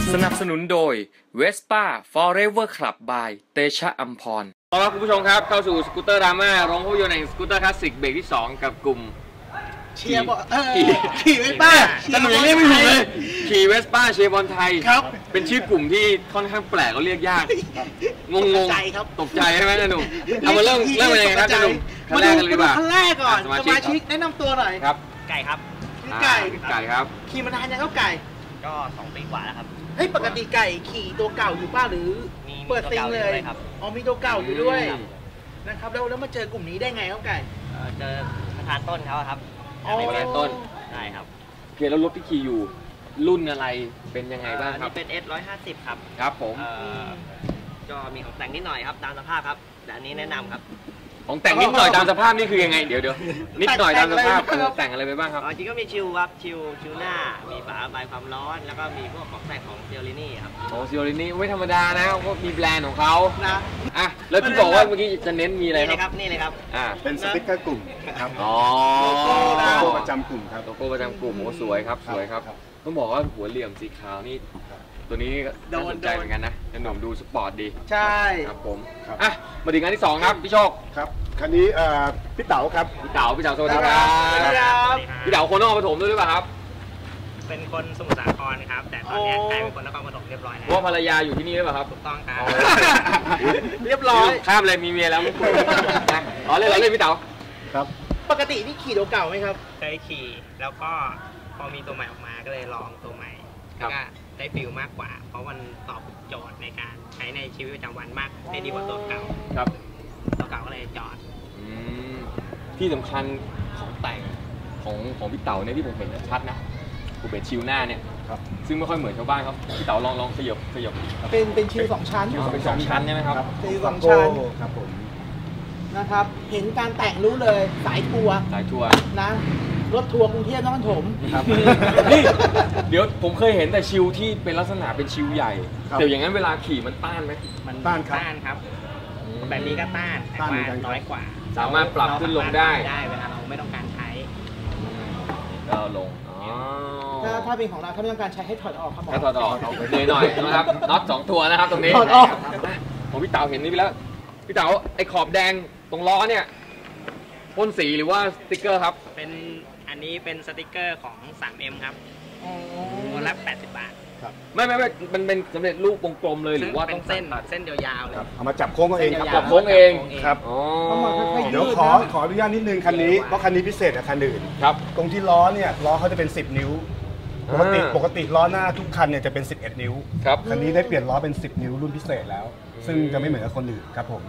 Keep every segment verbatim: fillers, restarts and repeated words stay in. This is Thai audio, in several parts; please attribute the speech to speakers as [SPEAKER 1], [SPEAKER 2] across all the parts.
[SPEAKER 1] สนับสนุนโดย Vespa Forever Club by เตชะอัมพรต้อนรับคุณผู้ชมครับเข้าสู่สกูตเตอร์ดราม่าโรงภาพยนตร์แห่งสกูตเตอร์คลาสสิกเบรกที่สองกับกลุ่ม
[SPEAKER 2] เชียร์บอลขี่เวสป้า
[SPEAKER 1] แต่หนูยังเรียกไม่ถูกเลยขี่เวสป้าเชียร์บอลไทย
[SPEAKER 2] ครับ
[SPEAKER 1] เป็นชื่อกลุ่มที่ค่อนข้างแปลกเขาเรียกยากงงงตกใจใช่ไหมหนุ่มเอามาเริ่มเริ่มยังไงครับหนุ่ม
[SPEAKER 2] มาดูขั้นแรกก่อนสมาชิกแนะนำตัวหน่อย
[SPEAKER 1] ครับ
[SPEAKER 3] ไก่ครับ
[SPEAKER 2] ไก่
[SPEAKER 1] ไก่ครับ
[SPEAKER 2] ขี่มานานยังครับไก่
[SPEAKER 3] ก็สองปีกว่าแล้วครับ
[SPEAKER 2] เฮ้ยปกติไก่ขี่ตัวเก่าอยู่ป้าหรือเปิดซิงเลยอ๋อมีตัวเก่าอยู่ด้วยนะครับแล้วแล้วมาเจอกลุ่มนี้ได้ไงครับไก่
[SPEAKER 3] เจอประธานต้นเขาครับ
[SPEAKER 1] ประธานต้น
[SPEAKER 3] ใช่ครับ
[SPEAKER 1] โอเคแล้วรถที่ขี่อยู่รุ่นอะไรเป็นยังไงบ้างครับ
[SPEAKER 3] นี่เป็น เอส หนึ่งร้อยห้าสิบ ครับ
[SPEAKER 1] ครับผม
[SPEAKER 3] ก็มีของแต่งนิดหน่อยครับตามสภาพครับแต่อันนี้แนะนำครับ
[SPEAKER 1] ของแต่งนิดหน่อยตามสภาพนี่คือยังไงเดี๋ยวเดี๋ยวนิดหน่อยตามสภาพแต่งอะไรไปบ้างครับ
[SPEAKER 3] จริงก็มีชิลครับชิลชิลหน้ามีฝาระบายความร้อนแล้วก็มีพวกของแต่งของเซียรินี่ครับ
[SPEAKER 1] โอ้เซียรินี่ไม่ธรรมดานะเขามีแบรนด์ของเขานะอ่ะแล้วที่บอกว่าเมื่อกี้จะเน้นมีอะไร
[SPEAKER 3] ครับนี่เลยครับ
[SPEAKER 1] อ่า
[SPEAKER 4] เป็นสติ๊กเกอร์กลุ่มครับ
[SPEAKER 1] อ๋อ
[SPEAKER 4] โลโก้ประจำกลุ่มครับ
[SPEAKER 1] โลโก้ประจำกลุ่มโอ้สวยครับสวยครับต้องบอกว่าหัวเหลี่ยมสีขาวนี่ตัวนี้น่าสนใจเหมือนกันนะหนุ่มดูสปอร์ตดี
[SPEAKER 2] ใช่
[SPEAKER 1] ครับผมอ่ะมาถึงงานที่สองครับพี่โชค
[SPEAKER 4] ครับคันนี้พี่เต๋าครับ
[SPEAKER 1] พี่เต๋าพี่เต๋าสวัสดีครับพี่เต๋าคนนครปฐมด้วยหรือเปล่าครับ
[SPEAKER 3] เป็นคนสมุทรสาครครับแต่ตอนนี้กลายเป็นคนนครปฐมเรียบร้อยแล้ว
[SPEAKER 1] ว่าภรรยาอยู่ที่นี่หรือเปล่าครับ
[SPEAKER 3] ถูกต้องครับ
[SPEAKER 2] เรียบร้อย
[SPEAKER 1] ข้ามเลยมีเมียแล้วอ๋อเลยเราเล่นพี่เต๋า
[SPEAKER 4] ครับ
[SPEAKER 2] ปกตินี่ขี่ตัวเก่าไหมครับ
[SPEAKER 3] เคยขี่แล้วก็พอมีตัวใหม่ออกมาก็เลยลองตัวใหม่แล้วก็ได้ฟิลมากกว่าเพราะมันตอบโจทย์ในการใช้ในชีวิตประจำวันมากได้ดีกว่าตัวเก่า
[SPEAKER 1] ครับ
[SPEAKER 3] ตัวเก่าก็เลยจอด
[SPEAKER 1] ที่สำคัญของแต่งของของพี่เต๋าเนี่ยที่ผมเห็นชัดนะผมเป็นชิลหน้าเนี่ยซึ่งไม่ค่อยเหมือนชาวบ้านครับพี่เต๋าลองลองขยับขยับ
[SPEAKER 2] เป็นเป็นชิลสองชั้น
[SPEAKER 1] เป็นสองชั้นใช่ไหมครับ
[SPEAKER 2] ชิลสองชั้น
[SPEAKER 4] ครับผม
[SPEAKER 2] นะครับเห็นการแต่งรู้เลยสายทัวร์
[SPEAKER 1] สายทัวร์
[SPEAKER 2] นะรถทัวร์กรุงเทพนครปฐม
[SPEAKER 1] ครับนี่เดี๋ยวผมเคยเห็นแต่ชิลที่เป็นลักษณะเป็นชิลใหญ่แต่อย่างนั้นเวลาขี่มันต้านไหม
[SPEAKER 3] มันต้านครับแบบนี้ก็ต้านแต่ว่าน้อยกว่า
[SPEAKER 1] สามารถปรับขึ้นลงได้
[SPEAKER 3] ได้เวลาเราไม่ต้องการใช้
[SPEAKER 1] ก็ลง
[SPEAKER 2] ถ้าถ้าเป็นของเราถ้าไม่ต้องการใช้ให้ถอดออกครับหมอ
[SPEAKER 1] ถอดออกเลยหน่อยนะครับน็อตสองตัวนะครับตรงนี้
[SPEAKER 2] ถอดออก
[SPEAKER 1] ผมพี่เต๋าเห็นนี่ไปแล้วพี่เต๋าไอ้ขอบแดงตรงล้อเนี่ยพ่นสีหรือว่าสติ๊กเกอร์ครับ
[SPEAKER 3] เป็นอันนี้เป็นสติ๊กเกอร์ของ ทรี เอ็ม ครับตัวละแปดสิบบาท
[SPEAKER 1] ไม่ไม่ไม่มันเป็นสำเร็จรูปวงกลมเลยหรือว่า
[SPEAKER 3] ต้องเส้นเส้นยาวๆเลย
[SPEAKER 4] เอามาจับโค้งเองครับ
[SPEAKER 1] จับโค้งเอง
[SPEAKER 4] ครับเดี๋ยวขอขออนุญาตนิดนึงคันนี้เพราะคันนี้พิเศษกว่าคันอื่น
[SPEAKER 1] ครับ
[SPEAKER 4] ตรงที่ล้อเนี่ยล้อเขาจะเป็นสิบนิ้วปกติปกติล้อหน้าทุกคันเนี่ยจะเป็นสิบเอ็ดนิ้ว
[SPEAKER 1] ครับ
[SPEAKER 4] คันนี้ได้เปลี่ยนล้อเป็นสิบนิ้วรุ่นพิเศษแล้วซึ่งจะไม่เหมือนกับคนอื่นครับผม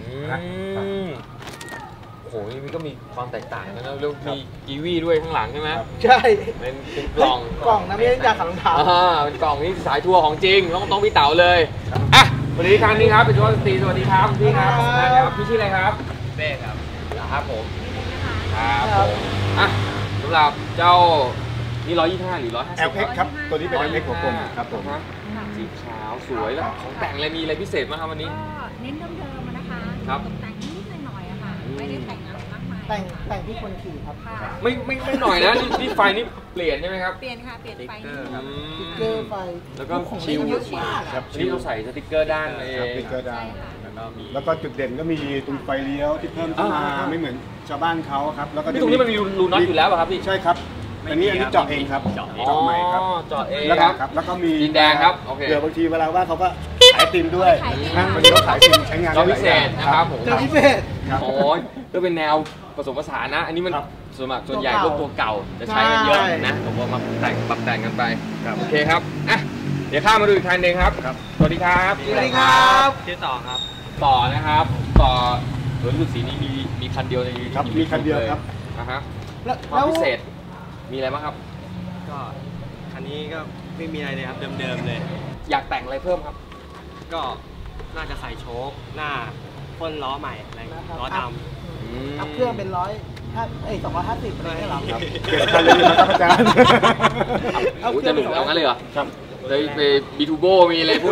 [SPEAKER 1] โอ้โหนี่มันก็มีความแตกต่างนะแล้วมีกีวีด้วยข้างหลังใช่ไหม
[SPEAKER 2] ใช่
[SPEAKER 1] เป็นเป็นกล่อง
[SPEAKER 2] กล่องนะไม่ใช่ยาขัดรองเท้า
[SPEAKER 1] อ่าเป็นกล่องนี่สายทัวร์ของจริงต้องต้องพี่เต๋าเลยอ่ะสวัสดีครับนี่ครับเป็นตัวสตรีสวัสดีครับพี่ครับนะครับพี่ชื่ออะไรครับ
[SPEAKER 3] เบ้ครับ
[SPEAKER 1] ครับผมครับผมอ่ะสำหรับเจ้านี่ร้อยยี่สิบห้าหรือร้อยห้าสิบ
[SPEAKER 4] แอล เอ็กซ์ ครับตัวนี้เป็น แอล เอ็กซ์ หัวกลมครับผม
[SPEAKER 1] สีขาวสวยแล้วของแต่งอะไรมีอะไรพิเศษไหมครับวันนี้
[SPEAKER 5] เน้นเดิมๆนะคะ
[SPEAKER 1] ครับ
[SPEAKER 5] แต่งนิดหน่อยอะค่ะไม่ได้แต่งอะไรมากมาย
[SPEAKER 2] แต่งแต่งที่คนขี่ครับ
[SPEAKER 1] ไม่ไม่ไม่หน่อยนะนี่นี่ไฟนี่เปลี่ยนใช่ไหมครับ
[SPEAKER 5] เปลี่ยนค่ะเปลี่ยนไฟ
[SPEAKER 2] สติ๊กเกอร์ไฟ
[SPEAKER 1] แล้วก็ชิลครับนี่เราใส่สติ๊กเกอร์ด้านเลย
[SPEAKER 4] สติ๊กเกอร์ด้านแล้วก็จุดเด่นก็มีตรงไฟเลี้ยวที่เพิ่มขึ้นมาไม่เหมือนชาวบ้านเขาครับแล้วก็
[SPEAKER 1] ตรงนี้มันมีรูน็อตอยู่แล้วป่ะครับพี่
[SPEAKER 4] ใช่ครับอันนี้อันนี้เจาะเองครับเจาะใหม่ครับ
[SPEAKER 1] เจาะเอง
[SPEAKER 4] แล้วครับแล้วก็มี
[SPEAKER 1] ดินแดงครับ
[SPEAKER 4] เดี๋ยวบางทีเวลาว่าเขาก็ขายติมด้วยนะวันนี้เขาขายติมใช้งาน
[SPEAKER 1] ได้พิเศษนะครับผม
[SPEAKER 2] พิเศษ
[SPEAKER 1] โอ้ยก็เป็นแนวผสมผสานนะอันนี้มันส่วนมากส่วนใหญ่พวกตัวเก่าจะใช้กันเยอะนะผมว่ามาแต่งปรับแต่งกันไปโอเคครับอ่ะเดี๋ยวข้ามมาดูอีกคันหนึ่งครับสวัสดีครับ
[SPEAKER 2] สวัสดีครับ
[SPEAKER 3] ชื่อต่อครับ
[SPEAKER 1] ต่อนะครับต่อรถรุ่นสีนี้มีมีคันเดียวใน
[SPEAKER 4] ครับมีคันเดียวครับ
[SPEAKER 1] นะฮะความพิเศษมีอะไรบ้างครับ
[SPEAKER 3] ก็คันนี้ก็ไม่มีอะไรเลยครับเดิมๆเลย
[SPEAKER 1] อยากแต่งอะไรเพิ่มครับ
[SPEAKER 3] ก็น่าจะใส่โชคหน้าพ่นล้อใหม่อะไรล้อด
[SPEAKER 2] ำอัพเครื่องเป็นร้อยห้าเอ้ยสองร้อยห้าสิบอะไรนี่หรอครับ
[SPEAKER 4] เกิดคันเลยนะครับอาจารย์
[SPEAKER 1] จะหลุดแล้วงั้นเลยเหรอ
[SPEAKER 4] ครับ
[SPEAKER 1] เลยไปบีทูโบมีอะไรพวกนี้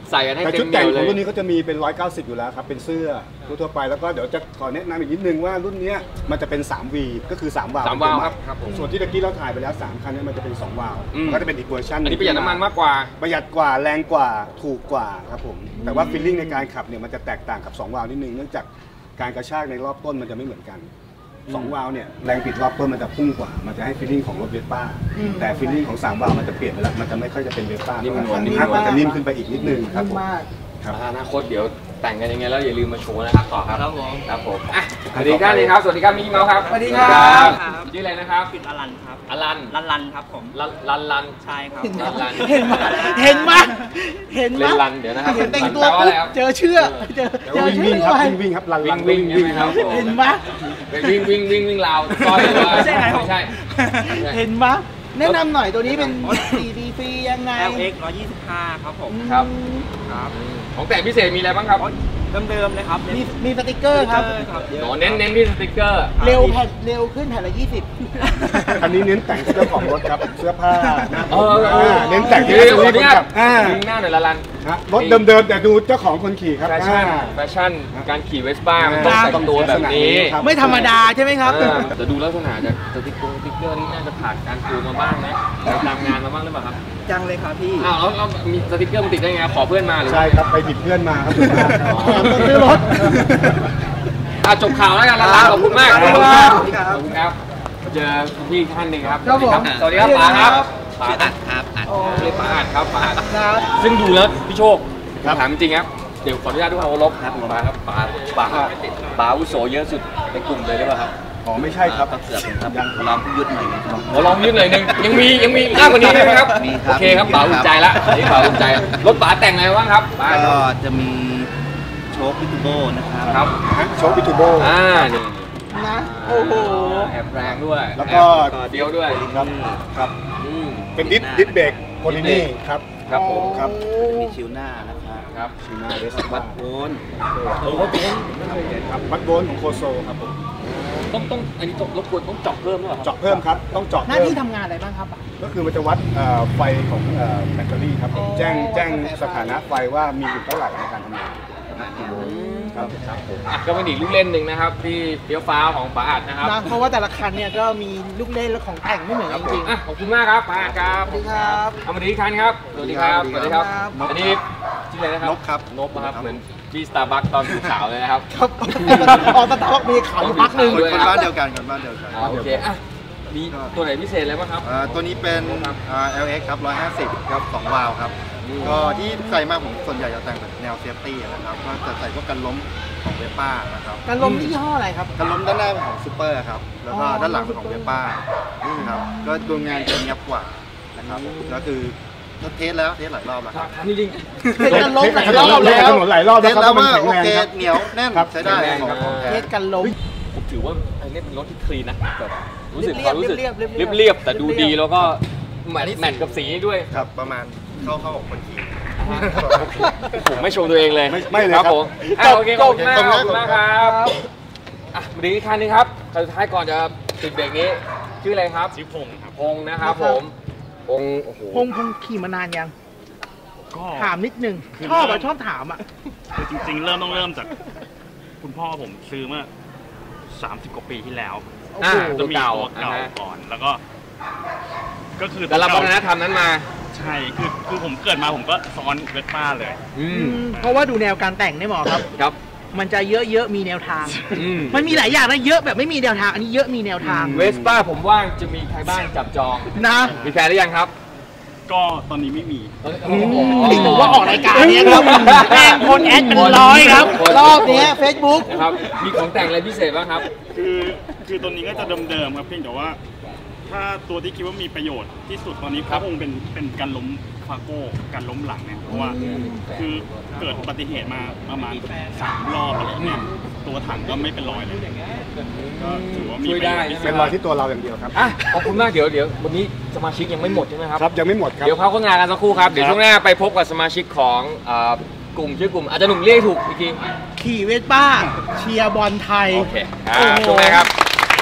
[SPEAKER 1] ใส่กันให้
[SPEAKER 4] แต่
[SPEAKER 1] เต็
[SPEAKER 4] ชุ
[SPEAKER 1] ม
[SPEAKER 4] ด
[SPEAKER 1] เหนี
[SPEAKER 4] แต่
[SPEAKER 1] ย
[SPEAKER 4] ง
[SPEAKER 1] ว
[SPEAKER 4] ข
[SPEAKER 1] เล
[SPEAKER 4] อง
[SPEAKER 1] ย
[SPEAKER 4] รุ่นนี้ก็จะมีเป็นร้อยเก้าสิบอยู่แล้วครับเป็นเสื้อทั่วๆไปแล้วก็เดี๋ยวจะขอแนะนำอีกนิดนึงว่ารุ่นนี้มันจะเป็น สามวี ก็คือสามวาล์ว
[SPEAKER 1] สามวาล์วครับครับผม
[SPEAKER 4] ส่วนที่ตะกี้เราถ่ายไปแล้วสามคันนี้มันจะเป็นสองวาล์ว
[SPEAKER 1] อืม
[SPEAKER 4] มันก็จะเป็นอีกเวอร์ชัน
[SPEAKER 1] อันนี้ประหยัดน้ำมันมากกว่า
[SPEAKER 4] ประหยัดกว่าแรงกว่าถูกกว่าครับผมแต่ว่าฟีลลิ่งในการขับเนี่ยมันจะแตกต่างกับสองวาล์วนิดนึงเนื่องจากการกระชากในรอบต้นมันจะไม่เหมือนกันสองวาล์วเนี่ยแรงบิดรอบต้นมันจะพุ่งกว่ามันจะให้ฟีลลิ่งของรถเวสป้าแต่ฟีลลิ่งของสามวาล์วมันจะเปลี่ยนไปแล้วมันจะไม่ค่อยจะเป็นเวสป้า
[SPEAKER 1] นิ่มนวล
[SPEAKER 4] นิ่มนวลมันจะนิ่มขึ้นไปอีกนิดนึงครับผม
[SPEAKER 2] มาก
[SPEAKER 4] ครับ
[SPEAKER 1] อนาคตเดี๋ยวแต่งกันยังไงแล้วอย่าลืมมาโชว์นะครับต่อครับ
[SPEAKER 3] ครับผม
[SPEAKER 1] ครับผมอ่ะสวัสดีครับนี่ครับสวัสดีครับมิกกี้เมาส์ครับ
[SPEAKER 2] สวัสดีครับ
[SPEAKER 1] ชื่ออะไรนะครับ
[SPEAKER 3] ปิดอลันครับ
[SPEAKER 1] อลัน
[SPEAKER 3] ลันลันครับผม
[SPEAKER 1] ลันลันลัน
[SPEAKER 3] ใช่ครับ
[SPEAKER 1] ลันลัน
[SPEAKER 2] เห็นไหมเห็นไหมเห็นไหม
[SPEAKER 1] เล่นลันเดี๋ยวนะครับ
[SPEAKER 2] เห็นแต่งตัว
[SPEAKER 1] ลันแปลว่า
[SPEAKER 2] ปุ๊
[SPEAKER 1] อะไร
[SPEAKER 2] บ
[SPEAKER 1] ครับ
[SPEAKER 2] เจอเชือกเจอ
[SPEAKER 4] แล้ว
[SPEAKER 2] เจอ
[SPEAKER 4] วิ่ง
[SPEAKER 2] เชื
[SPEAKER 4] วิ่
[SPEAKER 2] อง ก
[SPEAKER 4] ครับ
[SPEAKER 2] ไว้
[SPEAKER 4] วิ่งวิ่งครับลันลัน
[SPEAKER 1] วิ่งวิ่ง
[SPEAKER 4] วิ่ง
[SPEAKER 1] ใช่ไหมครับ
[SPEAKER 2] เห็นไหม
[SPEAKER 1] เป็นวิ่งวิ่งวิ่งวิ่งราวซอยหรือว่า
[SPEAKER 3] ไม่ใช่ไงครับ
[SPEAKER 1] ไม่ใช่
[SPEAKER 2] เห็นไหมแนะนำหน่อยตัวนี้เป็นสีดีฟรียังไง
[SPEAKER 3] แอล เอ็กซ์ หนึ่งร้อยยี่สิบห้าครับผม
[SPEAKER 1] ครับ
[SPEAKER 3] ครับ
[SPEAKER 1] ของแต่งพิเศษมีอะไรบ้างครับ
[SPEAKER 3] เดิมๆเลยครับ
[SPEAKER 2] มีมีสติกเกอร์ครับ
[SPEAKER 3] ครับ
[SPEAKER 1] หนอเน้นเน้นที่สติกเกอร์
[SPEAKER 2] เร็วแผ่นเร็วขึ้นแผ่นละยี่สิบ
[SPEAKER 4] อันนี้เน้นแต่งที่เจ้าของรถครับเสื้อผ้าหน้า
[SPEAKER 1] เอ
[SPEAKER 4] ผม
[SPEAKER 1] อเออ
[SPEAKER 4] เน้นแต่งที่
[SPEAKER 1] เดี๋ยว
[SPEAKER 4] เจ้า
[SPEAKER 1] ขออนุญาต
[SPEAKER 4] ขับอ่า
[SPEAKER 1] ดึงหน้าหน่อยละลัน
[SPEAKER 4] ฮะรถเดิมๆแต่ดูเจ้าของคนขี่ครับ
[SPEAKER 1] แฟชั่น
[SPEAKER 4] อ่า
[SPEAKER 1] แฟชั่นการขี่เวสป้ามันต้อง
[SPEAKER 4] อ่า
[SPEAKER 1] แต่งตัวแบบนี้
[SPEAKER 4] ครับ
[SPEAKER 2] ไม่ธรรมดาใช่ไหมครับ
[SPEAKER 1] เออแต่ดูลักษณะจากสติกเกอร์สติกเกอร์นี่น่าจะผ่านการปูมาบ้างนะตามงานมาบ้างหรือเปล่าครับ
[SPEAKER 3] จังเลยครับพี่
[SPEAKER 1] อ้าวแล้วแล้วมีสติกเกอร์มันติดได้ไงขอเพื่อนมาหรือ
[SPEAKER 4] ใช่ครับไปผิดเพื่อนมาครับ
[SPEAKER 1] อ๋อ
[SPEAKER 2] ต้องซื้อรถ
[SPEAKER 1] อ่ะจบข่าวแล้วกันลันลันขอบคุณมาก
[SPEAKER 2] ขอบคุณครับ
[SPEAKER 1] ขอบคุณครับเจอพี่อีกท่านหนึ่งครับ
[SPEAKER 2] ครับผม
[SPEAKER 1] สวัสดีครับป๋าครับป๋า
[SPEAKER 3] ชื่ออัดครับอัด
[SPEAKER 1] เรียกป๋าอัดครับป๋าอัด
[SPEAKER 2] ครับ
[SPEAKER 1] ซึ่งดูแล้วพี่โชค
[SPEAKER 4] ครับ
[SPEAKER 1] ถามจริงครับเดี๋ยวขออนุญาตด้วยความเคารพครับป๋าครับป๋าป๋าป๋าอาวุโสเยอะสุดในกลุ่มเลยหรือเปล่าครับ
[SPEAKER 4] อ๋อไม่ใช่ครับ
[SPEAKER 6] เกือบครับลองยุดหน่อยครับ
[SPEAKER 1] ขอลองยืดหน่อยหนึงยังมียังมีมากกว่านี้ไหมครับ
[SPEAKER 6] มีครับ
[SPEAKER 1] โอเคครับป๋าอุ่นใจละอันนี้ป๋าอุ่นใจละรถป๋าแต่งอะไรบ้างครับป๋า
[SPEAKER 6] ก็จะมีโชคพิทูโบนะครับ
[SPEAKER 1] ครับ
[SPEAKER 4] โชคบิทูโบ
[SPEAKER 1] อ่านี่
[SPEAKER 2] นะ โอ้โห
[SPEAKER 1] แอบแรงด้วย
[SPEAKER 4] แล้วก็
[SPEAKER 1] แอบเดียวด้วย
[SPEAKER 4] ครับครับ
[SPEAKER 1] อืม
[SPEAKER 4] เป็นดิสดิสเบรกโพลินี่ครับ
[SPEAKER 1] ครับผม
[SPEAKER 4] ครับ
[SPEAKER 6] มีชิวหน้านะครับ
[SPEAKER 1] ครับ
[SPEAKER 4] ชิมาเดส
[SPEAKER 6] วั
[SPEAKER 4] วั
[SPEAKER 6] ด
[SPEAKER 4] ด
[SPEAKER 6] โพน
[SPEAKER 1] โอ้โห
[SPEAKER 4] ครับวัดโวลต์ของโคโซครับผม
[SPEAKER 1] ต้องต้องอันนี้ต้องรบกวนต้องเจาะเพิ่มหรือเปล่าครับ
[SPEAKER 4] เจาะเพิ่มครับต้องเจาะ
[SPEAKER 2] หน้า
[SPEAKER 4] เพิ่ม
[SPEAKER 2] ที่ทำงานอะไรบ้างครับ
[SPEAKER 4] ก็คือมันจะวัดเอ่อไฟของเอ่อแบตเตอรี่ครับผม
[SPEAKER 2] อ๋อ
[SPEAKER 4] แจ้งแจ้งสถานะไฟว่ามีอยู่เท่าไหร่ในการทำงานครับ
[SPEAKER 1] อ่ะก็เป็นอีกลูกเล่นหนึ่งนะครับ ที่เฟี้ยวฟ้าวของป๋าอัดนะครับ
[SPEAKER 2] นะเพราะว่าแต่ละคันเนี่ยก็มีลูกเล่นและของแต่งไม่เหมือนกันจริง
[SPEAKER 1] อ่ะขอบคุณมากครับป๋าอัดครับ
[SPEAKER 2] สวัสดีครับ
[SPEAKER 1] เอามาดีอีกคันครับสวัสดีครับสวัสดีครับ
[SPEAKER 2] ครับ
[SPEAKER 1] อันนี้ชื่ออะไรนะครับ
[SPEAKER 4] นกครับ
[SPEAKER 1] นบนะครับเหมือนที่สตาร์บัคตอนอยู่ขาวเลยนะครับ
[SPEAKER 2] ครับออกตะท็อกมีขาวอยู่พักหนึ่ง
[SPEAKER 1] ด้วย
[SPEAKER 6] คนบ้านเดียวกันคนบ้านเดียวกัน
[SPEAKER 1] อ่าโอเคอ่ะมีตัวไหนพิเศษอะไรบ้างครับ
[SPEAKER 6] อ่าตัวนี้เป็นอ่า แอล เอ็กซ์ ครับหนึ่งร้อยห้าสิบครับสองวาล์วครับ ก็ที่ใส่มากผมส่วนใหญ่จะแต่งแบบแนวเซฟตี้นะครับ ก็จะใส่พวกกันล้มของเวป้านะครับ
[SPEAKER 2] การลมยี่ห้ออะไรครับ
[SPEAKER 6] กันล้มด้านหน้าเป็นของซูเปอร์ครับ แล้วก็
[SPEAKER 2] อ๋อ
[SPEAKER 6] ด้านหลังเป็นของเวป้าครับ ก็ดูงานจะเนียบกว่านะครับแล้วคือเทสแล้วเทสหลายรอบแล้วครับ
[SPEAKER 1] ถามจริง
[SPEAKER 2] เทสกันลม
[SPEAKER 4] เทส
[SPEAKER 2] หลายรอบ
[SPEAKER 4] เทส
[SPEAKER 2] แล้ว
[SPEAKER 4] ถนนหลายรอบ
[SPEAKER 6] เท
[SPEAKER 4] แล้ว
[SPEAKER 6] ส
[SPEAKER 4] ครับ
[SPEAKER 6] แล้ว
[SPEAKER 4] มัน
[SPEAKER 6] ว่า
[SPEAKER 4] แข็ง
[SPEAKER 6] โอ
[SPEAKER 4] แรง
[SPEAKER 6] เค
[SPEAKER 4] ครับ
[SPEAKER 6] เหนียวแน่น
[SPEAKER 4] ครับ
[SPEAKER 6] ใช้ได้
[SPEAKER 1] แข็งแรง
[SPEAKER 6] ของ
[SPEAKER 1] ครับ
[SPEAKER 6] ของแท้
[SPEAKER 2] เทสกันลม
[SPEAKER 1] ผมถือว่าอันนี้เป็นรถที่คลีนนะแบบรู้สึก
[SPEAKER 2] เรี
[SPEAKER 1] ค
[SPEAKER 2] ยบๆ
[SPEAKER 1] วามรู้สึก
[SPEAKER 2] เรียบๆเรียบๆ
[SPEAKER 1] เรียบเรียบๆแต่ดู
[SPEAKER 2] เรียบๆ
[SPEAKER 1] ดีแล้วก็แมทแมทกับสีด้วย
[SPEAKER 6] ครับประมาณเข้าเข้าของคนขี่
[SPEAKER 1] ผมไม่ชมตัวเองเลย
[SPEAKER 4] ไม่ไม่เลย
[SPEAKER 1] ครับ
[SPEAKER 4] ครับ
[SPEAKER 1] ผมอ่ะโอเคขอบคุณมากขอบคุณมากครับอ่ะมาดีอีกคันหนึงครับคันสุดท้ายก่อนจะปิดเบรกนี้ชื่ออะไรครับชื่อพงครับพงนะครับผมพงโอ้โห
[SPEAKER 2] พงพงขี่มานานยัง
[SPEAKER 7] ก็
[SPEAKER 2] ถามนิดนึง ชอบอ่ะชอบถามอ่ะ
[SPEAKER 7] คือจริงๆ เริ่มต้องเริ่มจากคุณพ่อผมซื้อเมื่อสามสิบกว่าปีที่แล้ว
[SPEAKER 1] อ่า
[SPEAKER 7] จะมี
[SPEAKER 1] เก่า
[SPEAKER 7] ตัวเก่า
[SPEAKER 1] อ่าฮะ
[SPEAKER 7] ก่อน แล้วก็ ก็คือ
[SPEAKER 1] แต่รับวัฒนธรรมนั้นมา
[SPEAKER 7] ใช่คือคือผมเกิดมาผมก็ซ้อนเวสป้าเลย
[SPEAKER 1] อืม
[SPEAKER 2] เพราะว่าดูแนวการแต่งเนี่ยหมอครับ
[SPEAKER 1] ครับ
[SPEAKER 2] มันจะเยอะๆมีแนวทาง
[SPEAKER 1] อืม
[SPEAKER 2] มันมีหลายอย่างนะเยอะแบบไม่มีแนวทาง อันนี้เยอะมีแนวทาง
[SPEAKER 1] เวสป้าผมว่างจะมีใครบ้างจับจอง
[SPEAKER 2] นะ
[SPEAKER 1] มีแฟนหรือยังครับ
[SPEAKER 7] ก็ตอนนี้ไม่มี
[SPEAKER 2] นี่ถือว่าออกรายการเนี้ยครับแม่งคนแอดเป็นร้อยครับ รอบเนี้ยเฟซบุ๊ก
[SPEAKER 1] นะครับ มีของแต่งอะไรพิเศษบ้างครับ
[SPEAKER 7] คือคือตัวนี้ก็จะเดิมๆครับเพียงแต่ว่า ถ้าตัวที่คิดว่ามีประโยชน์ที่สุดตอนนี้
[SPEAKER 1] ครั
[SPEAKER 7] ก็
[SPEAKER 1] บ
[SPEAKER 7] คงเป็นเป็นการล้มฟาโก้การล้มหลังเนี่ยเพราะว่าคือเกิดอุบัติเหตุมาประมาณสามรอบอะไรเนี่ยตัวถังก็ไม่เป็นรอยเลยก็ถือว่ามี
[SPEAKER 1] ช่วยได้
[SPEAKER 7] ประโชน์
[SPEAKER 4] เป็นรอยที่ตัวเราอย่างเดียวครับ
[SPEAKER 1] อ่ะขอบคุณมากเดี๋ยวเดี๋ยววันนี้สมาชิกยังไม่หมดใช่ไหมครับ
[SPEAKER 4] ครับยังไม่หมดครับ
[SPEAKER 1] เดี๋ยวพักโฆษณากันสักครู่ครับ เดี๋ยว
[SPEAKER 4] ครับ
[SPEAKER 1] ช่วงหน้าไปพบกับสมาชิกของเอ่อกลุ่มชื่อกลุ่มอาจจะหนุ่มเรียกถูกอีกที
[SPEAKER 2] ขี่เวสป้า เชียร์บอลไทย
[SPEAKER 1] โอเคอ่า
[SPEAKER 2] โอ้โห
[SPEAKER 1] ช่วงหน้าครับ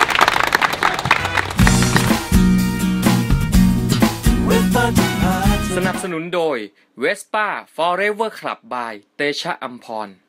[SPEAKER 8] เว็บป้าจะพาเธอ
[SPEAKER 1] สนับสนุนโดย Vespa Forever Club by เตชะอัมพร